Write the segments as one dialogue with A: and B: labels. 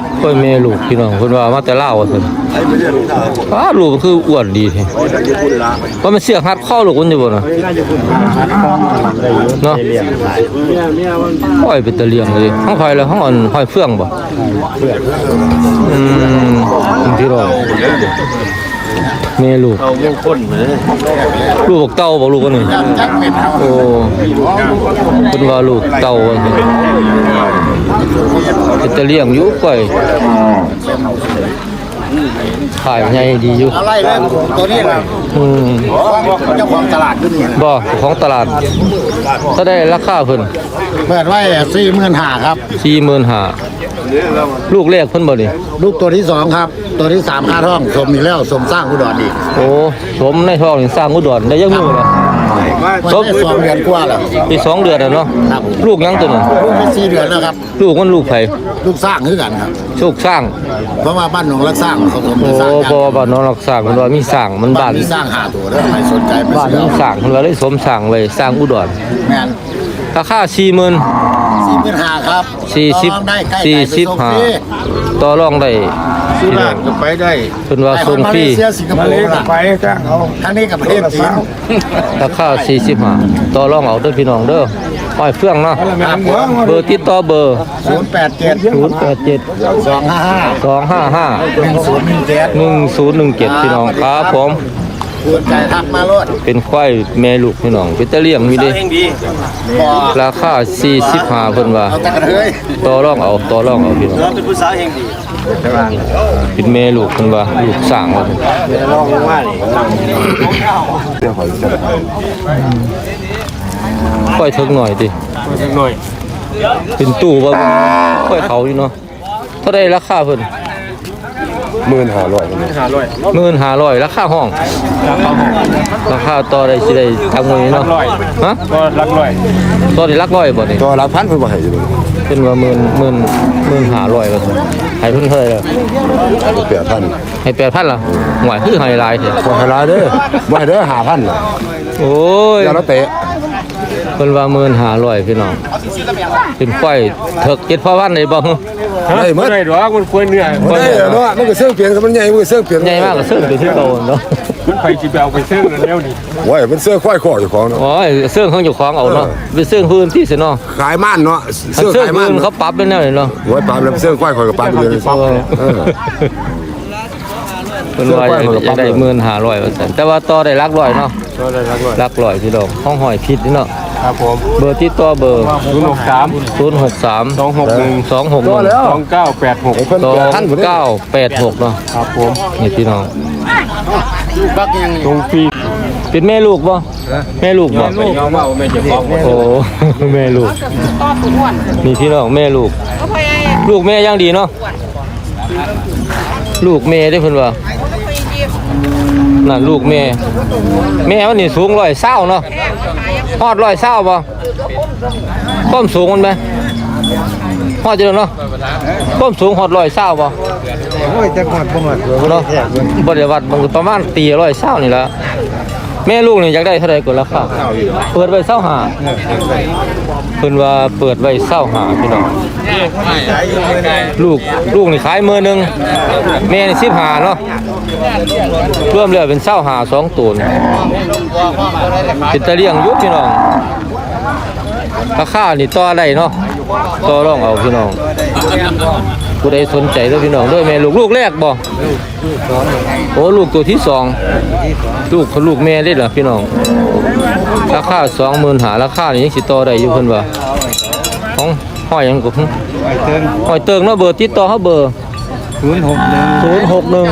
A: ค่อยแม่ลูกพี่น้องเพิ่นว่ามาแต่ลาวว่าซั่นลูกมันคืออ้วนดีแท้ว่ามันเสียกหัดข้อลูกมันอยู่บ่น่ะเนาะค่อยเป็นตะเลียงเลยห้องค่อยแล้วห้องอ่อนค่อยเฟื่องบ่พี่น้องแม่ลูกเอามงคลเหมือนลูกเต้าบ่ลูกคนนึงโอ้เพิ่นว่าลูกเต้าว่าจะเลี้ยงอยู่ก่อยขายใหญ่ดีอยู่
B: อะไรเลยตัวนี้ล่ะเจ้าของตลาดขึ้นเนี่ย
A: บ่ของตลาดถ้าได้ราคาเพิ่น
B: เปิดไว้45,000ครับ
A: 45,000ลูกแรกเพิ่นบ่นี่
B: ลูกตัวที่2ครับตัวที่3ค่าท้องสมอีกแล้วสมสร้างอุดรอีก
A: โอ้สมในท้องนี่สร้างอุดรได้ยังมื้อล่ะ
B: สม2เดือนกว่าแล้ว
A: ปี2เดือนแล้วเนาะลูกยังตัวนึง
B: ลูก4เดือนแล้วครับ
A: ลูกมันลูกไผ
B: ลูกสร้างคือกันครับ
A: ลูกสร้าง
B: เพราะว่าบ้านหนองรักสร้างเขาสมสร้าง
A: โอ้บ่บ้านหนองรักสร้างมันว่ามีสร้างมันบ้าน
B: มีสร้าง5ตัวเด้อใครสนใจ
A: บ้านมีสร้างเพิ่นว่าเลยสมสร้างไว้สร้างอุดร
B: แม่น
A: ราคา
B: 45,000ครับ
A: 45,000ต่อรองได้
B: สุราษฎร์ก็ไปได้
A: เพิ่นว่าส่งฟรี
B: มาเลก็ไปจ้างเอาทางนี้กับประเทศจีน
A: ราคา45ต่อรองเอาเด้อพี่น้องเด้ออ้อยเฟื่องเนาะเบอร์ติดต่อเบอร์
B: 087 255 1017
A: พี่น้องครับผม
B: ใจทักมาโลด
A: เป็นควายแม่ลูกพี่น้องเป็นตะเลี่ยงมีเด้ราคา45เพิ่นว่าต่อรองเอาพี่น้อง
B: เป็นผู้สาวแห่งดี
A: เป็นแม่ลูกเพิ่นว่าลูกสร้างว่า
B: ลองลงมานี่
A: ค่อยถึงหน่อยติเป็นตู้ว่าค่อยเขาอยู่เนาะเท่าใดราคาเพิ่น15,000ราคาห้องราคาต่อได้สิได้ทางมื้อนี้เนาะฮะ
C: ก็รักร้อย
A: ต่อได้รักร้อยบ่นี่
C: ก็รักพันเพิ่นบ่ให้อยู่
A: เป็นว่า15,000ว่าซั่นให้เพิ่นเท่าไหร่ล่ะ
C: 8,000
A: ให้ 8,000 ล่ะหวยคือให้หลายแท้
C: บ่ให้หลายเด้อบ่ให้เด้อ 5,000 ล่ะ
A: โอ้ย
C: อย่าละเตะ
A: เพิ่นว่า15,000พี่น้องเป็นควายเถิก7,000ได้บ่
C: ได้หมดได้ดอกมันควรเนื้อบ่ได้เนาะมันก็เสื่อเปลี่ยนมันใหญ่มันก็เสื่อเปลี่ยน
A: ใหญ่มากก็เสื่อไปที่เก่าเนาะ
C: มันไปสิไปเอาไปเสื่อแล้วนี่โอ้ยมันเสื่อควายคอเจ้าของเนาะ
A: โอ้ยเสื่อของเจ้าของเอาเนาะไปเสื่อพื้นที่สิเนาะ
C: ขายม่านเนาะ
A: เสื่อขายม่านเขาปรับเป็นแนวนี้เนาะ
C: โอ้ยปรับแล้วเสื่อควายคอยก็ปรับเลย
A: เพิ่นว่าอยากได้15,000ว่าซั่นแต่ว่าต่อได้หลักร้อยเนาะ
C: ต่อได้หลัก
A: ร้อยพี่น้องห้องหอยผิดนี่เนาะ
C: ครับผม
A: เบอร์ติดต่อเบอร์
C: 063
A: 261
C: 2986
A: 2986เนาะ
C: ครับผม
A: นี่พี่น้อง
B: บักยัง
C: ตรงฟรี
A: เป็นแม่ลูกบ่แม่ลูกบ่โอ้แม่ลูกนี่พี่น้องแม่ลูกลูกแม่ยังดีเนาะลูกแม่ได้เพิ่นว่านั่นลูกแม่มันนี่สูง120เนาะฮอด120บ่ความสูงมันไหมฮอดจังเนาะความสูงฮอด120บ่
B: โอ้ยจักฮอดบ่ฮอด
A: เนาะบ่ได้วัดมันประมาณตี120นี่ล่ะแม่ลูกนี่อยากได้เท่าใดก็ราคาเปิดไว้25เพิ่นว่าเปิดไว้25พี่น้องลูกนี่ขาย10,000แม่นี่15เนาะรวมแล้วเป็น25 2ตัวเป็นตะเลี่ยงอยู่พี่น้องราคานี่ต่อได้เนาะต่อรองเอาพี่น้องผู้ใดสนใจเด้อพี่น้องด้วยแม่ลูกแรกบ่โอ้ลูกตัวที่2ลูกแม่ได้เหรอพี่น้องราคา25,000ราคานี่ยังสิต่อได้อยู่เพิ่นว่าของห้อยหยังก็ห้อยเติงเนาะเบอร์ติดต่อเฮาเบอร์061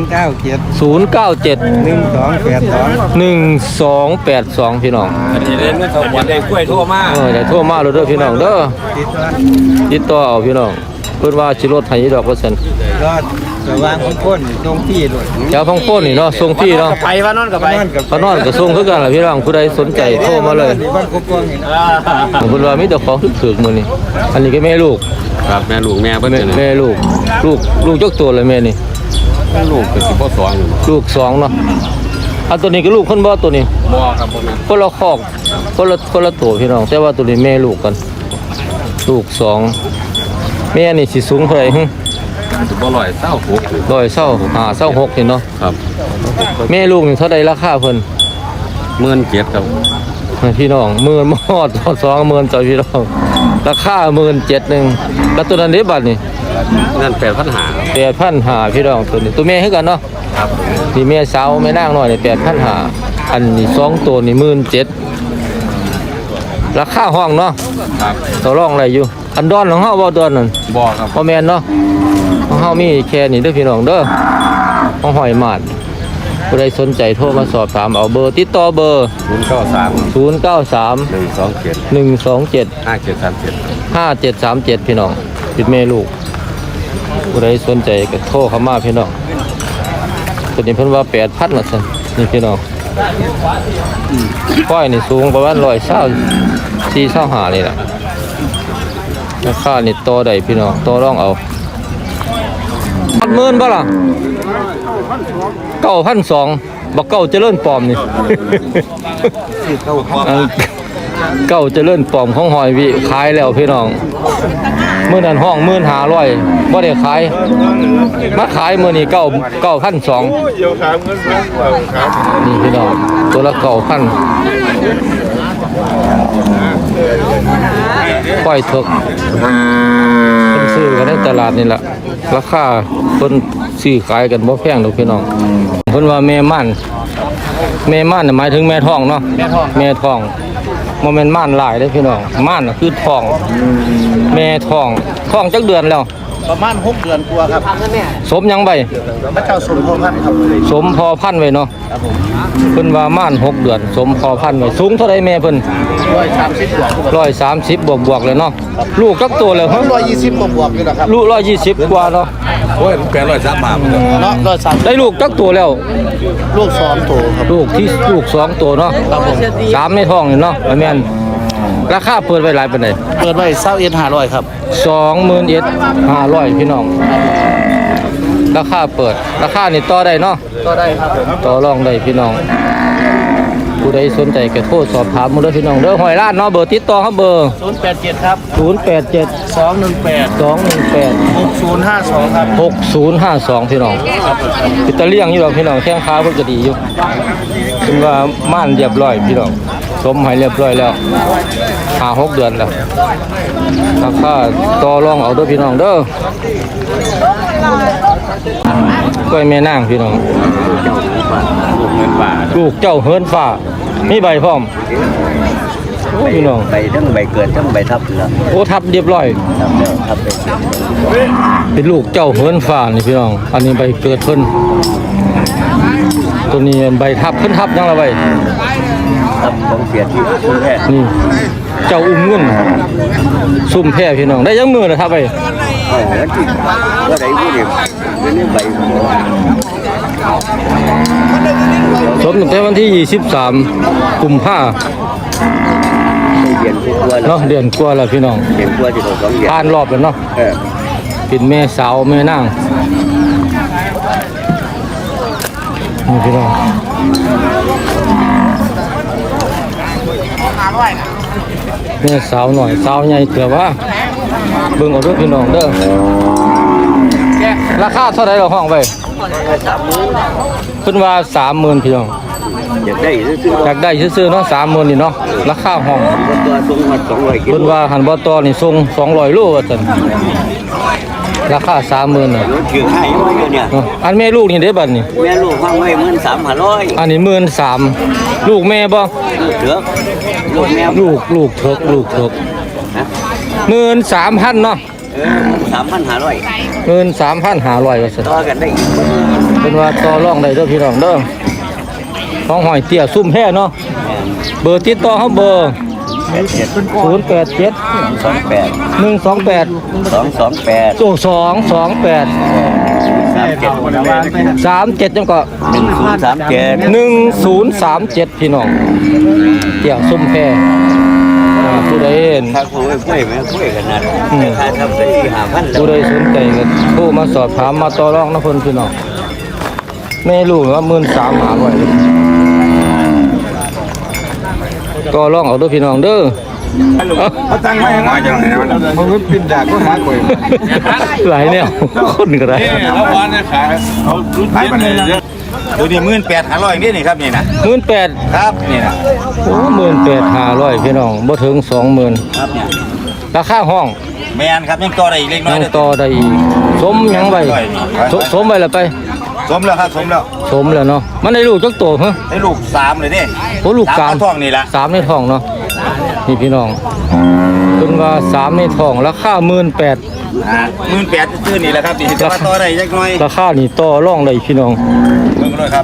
A: 097 1282พี่น้อง
C: ได้กล้วยโทรมา
A: ได้โทรมาเลยเด้อพี่น้องเด้อติดต่อเอาพี่น้องเพิ่นว่าสิลดให้ดอกว่าซั่น
B: รอดสว่างของคนตรงที่ด้วย
A: แถวของคนนี่เนาะส่งที่เนาะ
B: ไปว่านอนกับไป
A: ว่านอนก็ส่งคือกันล่ะพี่น้องผู้ใดสนใจโทรมาเลยเพิ่นว่ามีแต่ของถึกๆมื้อนี้อันนี้ก็แม่ลูก
C: ครับแม่ลูกแม่เพิ่น
A: แม่ลูกยกตัวเลยแม่นี่
C: ลูกก็สิบ่2
A: ลูก2เนาะอันตัวนี้ก็ลูกคนบ่ตัวนี้
C: บ่ครับบ่
A: คนละคอกคนละตัวพี่น้องแต่ว่าตัวนี้แม่ลูกกันลูก2แม่นี่สิสูงเท่าไหร่
C: บ่ลอยเศร้าหก
A: ร้อยเศร้าเศร้าหกนี่เนาะ
C: ครับ
A: แม่ลูกนี่เท่าใดราคาเพิ่น
C: 17,000ครับ
A: พี่น้องหมื่นมอด20,000จ้ะพี่น้องราคา17,000แล้วตัวนั้นเด้บัดนี่
C: นั่น8,500
A: 8,500พี่น้องตัวนี้ตัวแม่คือกันเนาะ
C: ครับ
A: นี่แม่สาวแม่นางน้อยนี่8,500อันนี้2ตัวนี่17,000ราคาห้องเนาะ
C: ครับ
A: ต่อรองอะไรอยู่อันดอนของเฮาบ่ดอนนั่น
C: บ่ครับ
A: บ่แม่นเนาะของเฮามีแค่นี้เด้อพี่น้องเด้อของหอยหมาดผู้ใดสนใจโทรมาสอบถามเอาเบอร์ติดต่อเบอร์
C: 093
A: 093
C: 127
A: 127
C: 5737
A: 5737พี่น้องปิดแม่ลูกผู้ใดสนใจก็โทรเข้ามาพี่น้องตัวนี้เพิ่นว่า8,000ว่าซั่นนี่พี่น้องก้อยนี่สูงประมาณ124-125นี่ล่ะราคานี่ต่อได้พี่น้องต่อรองเอา10,000บ่ล่ะ9,200บ่เก้าเจริญปลอมนี่ เก้าเจริญปลอมของหอยวิขายแล้วพี่น้องมื้อนั้นห้อง15,000บ่ได้ขายมาขายมื้อนี้9,200นี่พี่น้องตัวละ9,000ปล่อยเถกเพิ่นซื้อกันในตลาดนี่ล่ะราคาเพิ่นซื้อขายกันบ่แพงดอกพี่น้องเพิ่นว่าแม่ม่านน่ะหมายถึงแม่ท้องเนาะแม่ท้องบ่แม่นม่านหลายเด้อพี่น้องม่านน่ะคือท้องแม่ท้องจักเดือนแล้ว
B: ประมาณ6 เดือนกว่าครับ
A: สมหยังใบ
B: พระเจ้าสมพงษ์ครับ
A: สมพอพันธุ์ไว้เนาะเพิ่นว่าม่าน6 เดือนสมพอพันธุ์ไว้สูงเท่าใดแม่เพิ่น
B: 130
A: บวกเลยเนาะลูกจักตัวแล้วฮะ
B: 120บวกอยู่นะครับ
A: ลูก120กว่าเนาะ
C: โอ้ย800บาท
B: เนาะ130
A: ได้ลูกจักตัวแล้ว
B: ลูก2ตัวครับ
A: ลูก2ตัวเนาะ
B: ครับผม
A: 3ในท้องนี่เนาะว่าแม่นราคาเปิดไว้หลายปานใด
B: เปิดไว้21,500ครับ
A: 21,500พี่น้องราคาเปิดราคานี่ต่อได้เนาะ
B: ก็ได้ครับ
A: ต่อรองได้พี่น้องผู้ใดสนใจก็โทรสอบถามมาเด้อพี่น้องเด้อหอยลาดเนาะเบอร์ติดต่อครับเบอร์
B: 087ครับ
A: 087
B: 218
A: 218
B: 6052ครับ
A: 6052พี่น้องอิตาเลียงอยู่ดอกพี่น้องแข้งขาเพิ่นก็ดีอยู่เป็นว่าม่านเรียบร้อยพี่น้องสมให้เรียบร้อยแล้ว5-6 เดือนแล้วราคาต่อรองเอาเด้อพี่น้องเด้อกล้วยแม่นางพี่น้องลูกเจ้าเฮิรนฟ้ามีใบพร้อมโอ้พี่น้อง
B: ใบทั้งใบเกิดทั้งใบทับแล้ว
A: โอ้ทับเรียบร้อย
B: ทับไป
A: เป็นลูกเจ้าเฮิรนฟ้านี่พี่น้องอันนี้ใบเกิดเพิ่นตัวนี้ใบทับเพิ่นทับยังละใบ
B: ทับของเสียที่ชุมแพ
A: นี่เจ้าอุ้มเงินซุ่มแพร่พี่น้องได้ยังมือนะทับไป
B: แล้วที่ว่าไหนผู้เดียวนี่ใบ
A: สมตั้งแต่วันที่23กุมภา
B: เดือนกว่าแล้ว
A: เนาะเดือนกว่าแล้วพี่น้อง
B: เดือนกว่าที่เขา2 เดือน
A: ผ่านรอบแล้วเนาะ
B: เออ
A: เป็นแม่สาวแม่นางนี่พี่น้องแม่สาวหน่อยสาวใหญ่เถื่อว่าเบิ่งเอาเด้วยพี่น้องเด้อราคาเท่าไหร่เราห้องไปเพิ่นว่า 30,000พี่น้อง
B: อยากได้ซื้อ
A: อยากได้ซื้อๆเนาะ30,000นี่เนาะราคาห้อง
B: ตัวสูงมา200กิ
A: เพิ่น
B: โล
A: ว่าหันบ่ต่อนี่ส่ง200โลว่าซั่นราคา 30,000น่ะ
B: ถือให้ไว้เนี่ย
A: เนาะอันแม่ลูกนี่เด้บัดนี่
B: แม่ลูกฟังไว้13,500
A: อันนี้13,000ลูกแม่บ่
B: เถือกลูกแม่
A: ลูกเถิก
B: ฮะ
A: 13,000เนาะ
B: 3,500
A: 13,500ว่าซั่น
B: ต่อกันได้อีก
A: เพิ่นว่าต่อรองได้เด้อพี่น้องเด้อของหอยเตี้ยซุ่มแพ้เนาะเบอร์ติดต่อเฮาเบอร์087
B: 28
A: 128
B: 228
A: โอ้228 37จังก็
B: 1037
A: 1037พี่น้องเตี้ยซุ่มแพ้ผู้ใดเห็น
B: ถ้าคุยแม่คุยกันนะค่าทำไป4-5,000แล้ว
A: ผู้ใดสนใจก็โทรมาสอบถามมาต่อรองนะเพิ่นพี่น้องแม่ลูกว่า13,500ต่อรองเอาเด้อพี่น้องเด้อ
C: เขาตั้งไว้ให้น้อยจังเลยมันปิดดากก็หาข่อย
A: หลายแนวคนก็ได้
C: แล้ววันนี้ขายเขารุ่นไหนมันเลย
B: ตัวนี้18,500นี่ครับนี่นะ
A: 18,000
B: ครับนี่นะ
A: โอ้18,500พี่น้องบ่ถึง 20,000
B: ครับเนี่ย
A: ราคาห้อง
B: แมนครับยังต่อได้อีกเล็กน้อ
A: ยั
B: ย
A: ง
B: เด้อ
A: ต่อได้อีกสมหยังไว้สมไว้แล้วไป
B: สมแล้วครับสมแล้ว
A: สมแล้วเนาะมันได้ลูกจักโตฮะ
B: ได้ลูก3เลยนี่
A: โอ้ลูก
B: สาม
A: 3
B: ท้องนี่ละ
A: 3ในท้องเนาะนี่พี่น้องเพิ่นว่า3ในท้องราคา18,000
B: 18,000ซื่อนี่แหละครับนี่จะมาต่อได้จักหน่อย
A: ราคานี่ต่อรองได้พี่น้อง
B: เบิ่งเลยครับ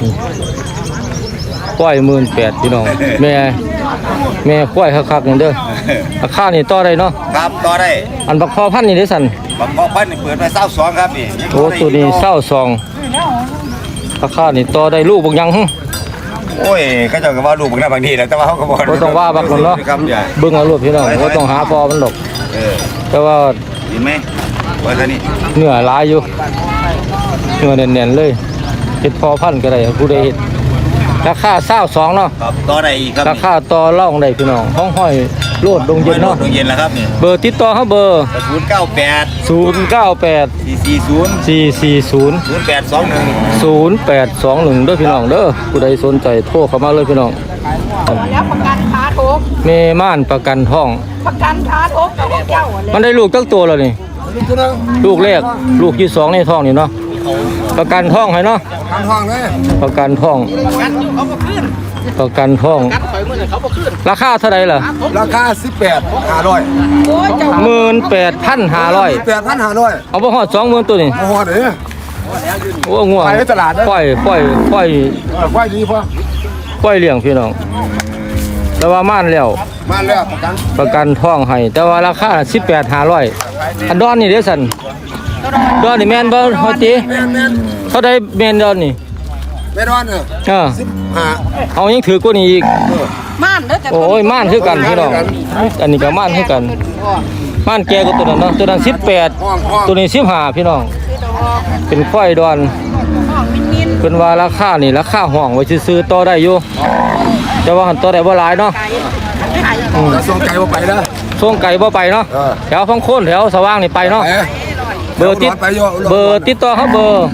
A: ควาย18,000พี่น้องแม่ควายคักๆนี่เด้อราคานี่ต่อได้เนาะ
B: ครับต่อได้
A: อันบักพอพันธุ์นี่ได้สั่น
B: บักพอพันนี่เปิดไป22ครับนี่
A: โอ้ตัวนี้22ราคานี่ต่อได้ลูกบักหยังหึ
B: โอ้ยเขาเจ้าก็ว่าลูกบักน่าบางทีแหละแต่ว่าเขาก็บ่
A: บ่ต้องว่าบักนั่นเนาะ
B: ครับใหญ่
A: เบิ่งเอาลูกพี่น้องบ่ต้องหาพอมันดอก แต่ว่า
B: เห็นไหมว่าซะนี่
A: เนื้อหลายอยู่เนื้อแน่นๆเลยเฮ็ดพอพันธุ์ก็ได้ผู้ใดเฮ็ดราคา22เนาะ
B: ครับต่อได้อีกครับ
A: ราคาต่อรองได้พี่น้องห้องห้อยโลดดงเย็นเนาะ
B: ดงเย็นแล้วครับนี่
A: เบอร์ติดต่อเฮาเบอร์
B: 098
A: 098
B: 440
A: 440
B: 0821
A: 0821เด้อพี่น้องเด้อผู้ใดสนใจโทรเข้ามาเลยพี่น้อง
D: แล้วประกันขาทุก
A: เมม่านประกันท้อง
D: ประกันขาทุกกับพวกเจ้าอะไร
A: มันได้ลูกจักตัวแล้วนี่ลูกแรกลูกที่สองในท้องนี่เนาะประกันท้องให้เนาะ
C: ทางห้องเลย
A: ประกันท้องประกันท้องราคาเท่าไหร่ล่ะ
C: ราคา18,500
D: โอ้ยเจ้า
A: 18,500
C: 8,500
A: เอาบ่ฮอด20,000ตัวนี่
C: โอ้โหเด้อ
A: โอ้ง่วง
C: ไปตลาดเด้อ
A: ปล่อย
C: ควายดีพอ
A: ปล่อยเลี้ยงพี่น้องแต่ว่าม่านแล้ว
C: มาแล้วประกัน
A: ประกันท้องให้แต่ว่าราคา18,500อันดอนนี่เด้อสันดอนนี่แม่นบ่ฮอดติ
C: แม่น
A: เท่าใดแม่นดอนนี่
C: แม่นอนเนี่ย 15
A: เอายังถือกว่านี้อีก
D: ม่านเด้อจะ
A: โอ้ยม่านคือกันพี่น้องอันนี้ก็ม่านคือกันม่านแก่กว่าตัวนั้นเนาะตัวนั้น18ตัวนี้15พี่น้องเป็นควายดอน
D: ห้องมิน
A: เป็นว่าราคานี่ราคาห้องไว้ซื้อๆต่อได้อยู่แต่ว่าหันต่อได้บ่หลายเนาะ
C: แล้วส่งไก่บ่ไปนะ
A: ช่วงไก่บ่ไปเนาะแถวพังโคนแถวสว่างนี่ไปเนาะเบอร์ติดต่อเขาเบอร์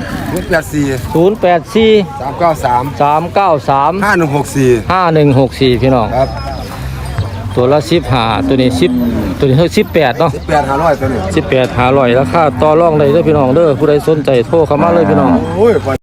A: 084
C: 393
A: 393
C: 5164
A: 5164พี่น้อง
C: ครับ
A: ตัวละ15ตัวนี้10ตัวนี้18เนาะ
C: 18,500ตัวนี้
A: 18 500ราคาต่อรองได้เด้อพี่น้องเด้อผู้ใดสนใจโทรเข้ามาเลยพี่น้อง
C: โอ้ย